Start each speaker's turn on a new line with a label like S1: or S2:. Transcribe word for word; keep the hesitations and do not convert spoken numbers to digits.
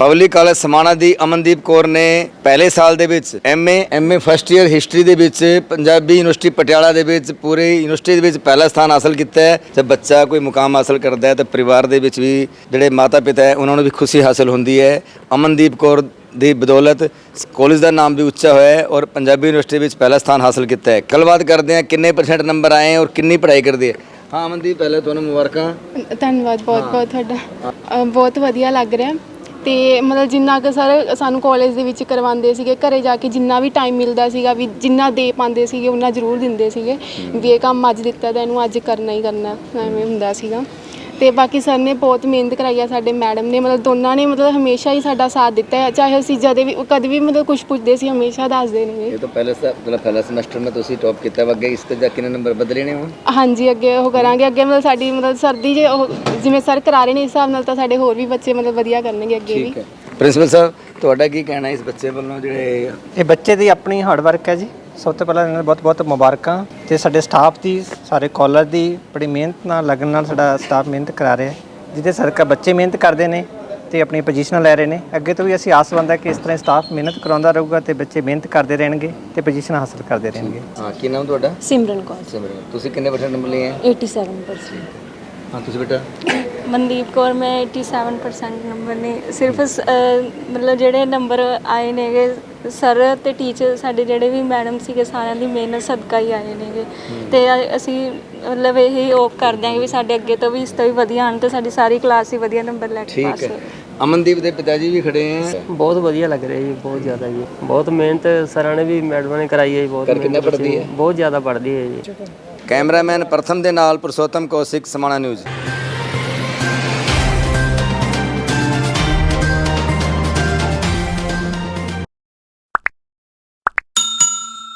S1: Public college Samana ਦੀ ਅਮਨਦੀਪ ਕੌਰ ਨੇ ਪਹਿਲੇ ਸਾਲ ਦੇ ਵਿੱਚ MA MA first year history ਦੇ ਵਿੱਚ ਪੰਜਾਬੀ ਯੂਨੀਵਰਸਿਟੀ ਪਟਿਆਲਾ ਦੇ ਵਿੱਚ ਪੂਰੇ ਯੂਨੀਵਰਸਿਟੀ ਦੇ ਵਿੱਚ ਪਹਿਲਾ ਸਥਾਨ ਹਾਸਲ ਕੀਤਾ ਹੈ। ਜਦ ਬੱਚਾ ਕੋਈ ਮੁਕਾਮ ਹਾਸਲ ਕਰਦਾ ਹੈ ਤਾਂ ਪਰਿਵਾਰ ਦੇ ਵਿੱਚ ਵੀ ਜਿਹੜੇ ਮਾਤਾ ਪਿਤਾ ਹੈ ਉਹਨਾਂ ਨੂੰ ਵੀ ਖੁਸ਼ੀ ਹਾਸਲ ਹੁੰਦੀ ਹੈ। ਅਮਨਦੀਪ ਕੌਰ ਦੀ ਬਦੌਲਤ ਕਾਲਜ ਦਾ ਨਾਮ ਵੀ ਉੱਚਾ ਹੋਇਆ ਹੈ ਔਰ ਪੰਜਾਬੀ ਯੂਨੀਵਰਸਿਟੀ ਵਿੱਚ ਪਹਿਲਾ ਸਥਾਨ ਹਾਸਲ ਕੀਤਾ ਹੈ। ਗੱਲਬਾਤ ਕਰਦੇ ਹਾਂ ਕਿੰਨੇ ਪਰਸੈਂਟ ਨੰਬਰ ਆਏ ਔਰ ਕਿੰਨੀ ਪੜ੍ਹਾਈ ਕਰਦੇ ਹੈ। ਹਾਂ ਅਮਨਦੀਪ, ਪਹਿਲੇ ਤੁਹਾਨੂੰ ਮੁਬਾਰਕਾਂ।
S2: ਧੰਨਵਾਦ ਬਹੁਤ ਬਹੁਤ ਤੁਹਾਡਾ। ਬਹੁਤ ਵਧੀਆ ਲੱਗ ਰਿਹਾ ਤੇ ਮਤਲਬ ਜਿੰਨਾ ਕੁ ਸਰ ਸਾਨੂੰ ਕਾਲਜ ਦੇ ਵਿੱਚ ਕਰਵਾਉਂਦੇ ਸੀਗੇ, ਘਰੇ ਜਾ ਕੇ ਜਿੰਨਾ ਵੀ ਟਾਈਮ ਮਿਲਦਾ ਸੀਗਾ ਵੀ ਜਿੰਨਾ ਦੇ ਪਾਉਂਦੇ ਸੀਗੇ ਉਹਨਾਂ ਜ਼ਰੂਰ ਦਿੰਦੇ ਸੀਗੇ ਵੀ ਇਹ ਕੰਮ ਅੱਜ ਦਿੱਤਾ ਤਾਂ ਇਹਨੂੰ ਅੱਜ ਕਰਨਾ ਹੀ ਕਰਨਾ, ਐਵੇਂ ਹੁੰਦਾ ਸੀਗਾ। ਤੇ ਬਾਕੀ ਸਰ ਨੇ ਬਹੁਤ ਮਿਹਨਤ ਕਰਾਈ ਆ, ਸਾਡੇ ਮੈਡਮ ਨੇ ਮਤਲਬ ਦੋਨਾਂ ਨੇ ਮਤਲਬ ਹਮੇਸ਼ਾ ਹੀ ਸਾਡਾ ਸਾਥ ਦਿੱਤਾ ਹੈ। ਚਾਹੇ ਅਸੀਂ ਜਦੇ ਵੀ ਕਦੇ ਵੀ ਮਤਲਬ ਕੁਛ ਪੁੱਛਦੇ ਸੀ ਹਮੇਸ਼ਾ ਦੱਸਦੇ ਨੇ।
S1: ਇਹ ਤਾਂ ਪਹਿਲੇ ਮਤਲਬ ਪਹਿਲਾ ਸਮੈਸਟਰ ਮੈਂ ਤੁਸੀਂ ਟੌਪ ਕੀਤਾ ਵਾ, ਅੱਗੇ ਇਸ ਤੋਂ ਜਾ ਕਿੰਨੇ ਨੰਬਰ ਬਦਲੇ ਨੇ ਹੁਣ?
S2: ਹਾਂਜੀ ਅੱਗੇ ਉਹ ਕਰਾਂਗੇ, ਅੱਗੇ ਮਤਲਬ ਸਾਡੀ ਮਤਲਬ ਸਰਦੀ ਜੇ ਉਹ ਜਿਵੇਂ ਸਰ ਕਰਾ ਰਹੇ ਨੇ ਇਸ ਹਿਸਾਬ ਨਾਲ ਤਾਂ ਸਾਡੇ ਹੋਰ ਵੀ ਬੱਚੇ ਮਤਲਬ ਵਧੀਆ ਕਰਨਗੇ ਅੱਗੇ ਵੀ।
S1: ਠੀਕ ਹੈ। ਪ੍ਰਿੰਸੀਪਲ ਸਾਹਿਬ ਤੁਹਾਡਾ ਕੀ ਕਹਿਣਾ ਇਸ ਬੱਚੇ ਵੱਲੋਂ ਜਿਹੜੇ
S3: ਇਹ ਬੱਚੇ ਦੀ ਆਪਣੀ ਹਾਰਡ ਵਰਕ ਹੈ ਜੀ। ਸਭ ਤੋਂ ਪਹਿਲਾਂ ਇਹਨਾਂ ਨੂੰ ਬਹੁਤ ਬਹੁਤ ਮੁਬਾਰਕਾਂ ਤੇ ਸਾਡੇ ਸਟਾਫ ਦੀ, ਸਾਰੇ ਕਾਲਜ ਦੀ ਬੜੀ ਮਿਹਨਤ ਨਾਲ ਲੱਗਣ ਨਾਲ ਸਾਡਾ ਸਟਾਫ ਮਿਹਨਤ ਕਰਾ ਰਿਹਾ, ਜਿਹਦੇ ਸਰਕਾ ਬੱਚੇ ਮਿਹਨਤ ਕਰਦੇ ਨੇ ਤੇ ਆਪਣੀ ਪੋਜੀਸ਼ਨਾਂ ਲੈ ਰਹੇ ਨੇ। ਅੱਗੇ ਤੋਂ ਵੀ ਅਸੀਂ ਆਸਵੰਦ ਹੈ ਕਿ ਇਸ ਤਰ੍ਹਾਂ ਸਟਾਫ ਮਿਹਨਤ ਕਰਾਉਂਦਾ ਰਹੂਗਾ ਤੇ ਬੱਚੇ ਮਿਹਨਤ ਕਰਦੇ ਰਹਿਣਗੇ ਤੇ ਪੋਜੀਸ਼ਨਾਂ ਹਾਸਲ ਕਰਦੇ ਰਹਿਣਗੇ।
S1: ਹਾਂ, ਕੀ ਨਾਮ ਤੁਹਾਡਾ?
S4: ਸਿਮਰਨ ਕੌਰ।
S1: ਸਿਮਰਨ, ਤੁਸੀਂ ਕਿੰਨੇ ਪਰਸੈਂਟ ਨੰਬਰ ਲਏ ਹੈ?
S4: सत्तासी परसेंट।
S1: ਹਾਂ ਤੁਸੀਂ ਬੇਟਾ?
S5: ਮਨਦੀਪ ਕੌਰ, ਮੈਂ सत्तासी परसेंट ਨੰਬਰ ਨੇ। ਸਿਰਫ ਮਤਲਬ ਜਿਹੜੇ ਨੰਬਰ ਆਏ ਨੇਗੇ ਸਰ ਤੇ ਟੀਚਰ ਸਾਡੇ ਜਿਹੜੇ ਵੀ ਮੈਡਮ ਸੀਗੇ ਸਾਰਿਆਂ ਦੀ ਮਿਹਨਤ ਸਦਕਾ ਹੀ ਆਏ ਨੇਗੇ। ਤੇ ਅਸੀਂ ਮਤਲਬ ਇਹੀ ਹੋਪ ਕਰਦੇ ਹਾਂ ਕਿ ਵੀ ਸਾਡੇ ਅੱਗੇ ਤੋਂ ਵੀ ਇਸ ਤੋਂ ਵੀ ਵਧੀਆ ਆਉਣ ਤੇ ਸਾਡੀ ਸਾਰੀ ਕਲਾਸ ਹੀ ਵਧੀਆ ਨੰਬਰ ਲੈ ਕੇ ਪਾਸ ਹੋਵੇ।
S1: ਅਮਨਦੀਪ ਦੇ ਪਿਤਾ ਜੀ ਵੀ ਖੜੇ ਹੈ।
S6: ਬਹੁਤ ਵਧੀਆ ਲੱਗ ਰਿਹਾ ਜੀ, ਬਹੁਤ ਜ਼ਿਆਦਾ ਜੀ। ਬਹੁਤ ਮਿਹਨਤ ਸਰਾਂ ਨੇ ਵੀ ਮੈਡਮਾਂ ਨੇ ਕਰਾਈ ਹੈ ਜੀ। ਬਹੁਤ
S1: ਕਿੰਨਾ ਪੜ੍ਹਦੀ ਹੈ?
S6: ਬਹੁਤ ਜ਼ਿਆਦਾ ਪੜ੍ਹਦੀ ਹੈ ਜੀ।
S1: ਕੈਮਰਾਮੈਨ ਪ੍ਰਥਮ ਦੇ ਨਾਲ ਪੁਰਸ਼ੋਤਮ ਕੌਸ਼ਿਕ, ਸਮਾਣਾ ਨਿਊਜ਼।